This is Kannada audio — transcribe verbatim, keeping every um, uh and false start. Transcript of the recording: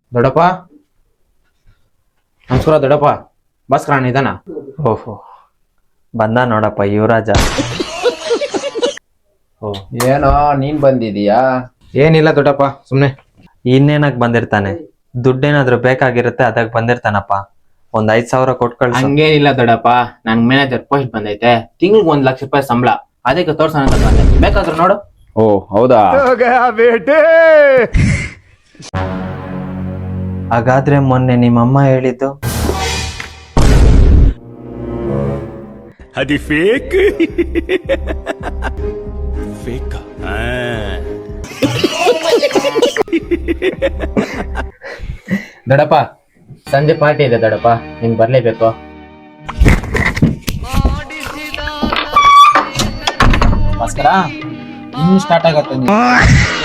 ದೊಡ್ಡಪ್ಪ ನಮಸ್ಕಾರ ದೊಡ್ಡಪ್ಪ. ಭಾಸ್ಕರ ಇದಾನ? ಓಹೋ ಬಂದ ನೋಡಪ್ಪ ಯುವರಾಜ. ಓ ಏನೋ ನೀನ್ ಬಂದಿದೀಯಾ? ಏನಿಲ್ಲ ದೊಡ್ಡಪ್ಪ, ಸುಮ್ನೆ. ಇನ್ನೇನಕ್ ಬಂದಿರ್ತಾನೆ? ದುಡ್ಡೇನಾದ್ರು ಬೇಕಾಗಿರುತ್ತೆ ಅದಕ್ ಬಂದಿರ್ತಾನಪ್ಪ. ಒಂದ್ ಐದ್ ಸಾವಿರ ಕೊಟ್ ಕಳ್ಸ. ಹಂಗೇನಿಲ್ಲ ದೊಡ್ಡಪ್ಪ, ನನ್ ಮ್ಯಾನೇಜರ್ ಪೋಸ್ಟ್ ಬಂದೈತೆ, ತಿಂಗ್ಳಿಗೆ ಒಂದ್ ಲಕ್ಷ ರೂಪಾಯಿ ಸಂಬಳ, ಅದಕ್ಕೆ ತೋರ್ಸೋಣ ಅಂತ ಬಂದೆ. ಬೇಕಾದ್ರೂ ನೋಡು. ಓ ಹೌದಾ? ಹಾಗಾದ್ರೆ ಮೊನ್ನೆ ನಿಮ್ಮಮ್ಮ ಹೇಳಿದ್ದು అది ఫేక్ ఫేక్ ದೊಡ್ಡಪ್ಪ ಸಂಜೆ ಪಾರ್ಟಿ ಇದೆ ದೊಡ್ಡಪ್ಪ, ನೀನ್ ಬರ್ಲೇಬೇಕು. ಭಾಸ್ಕರ ಇನ್ನು ಸ್ಟಾರ್ಟ್ ಆಗತ್ತೆ.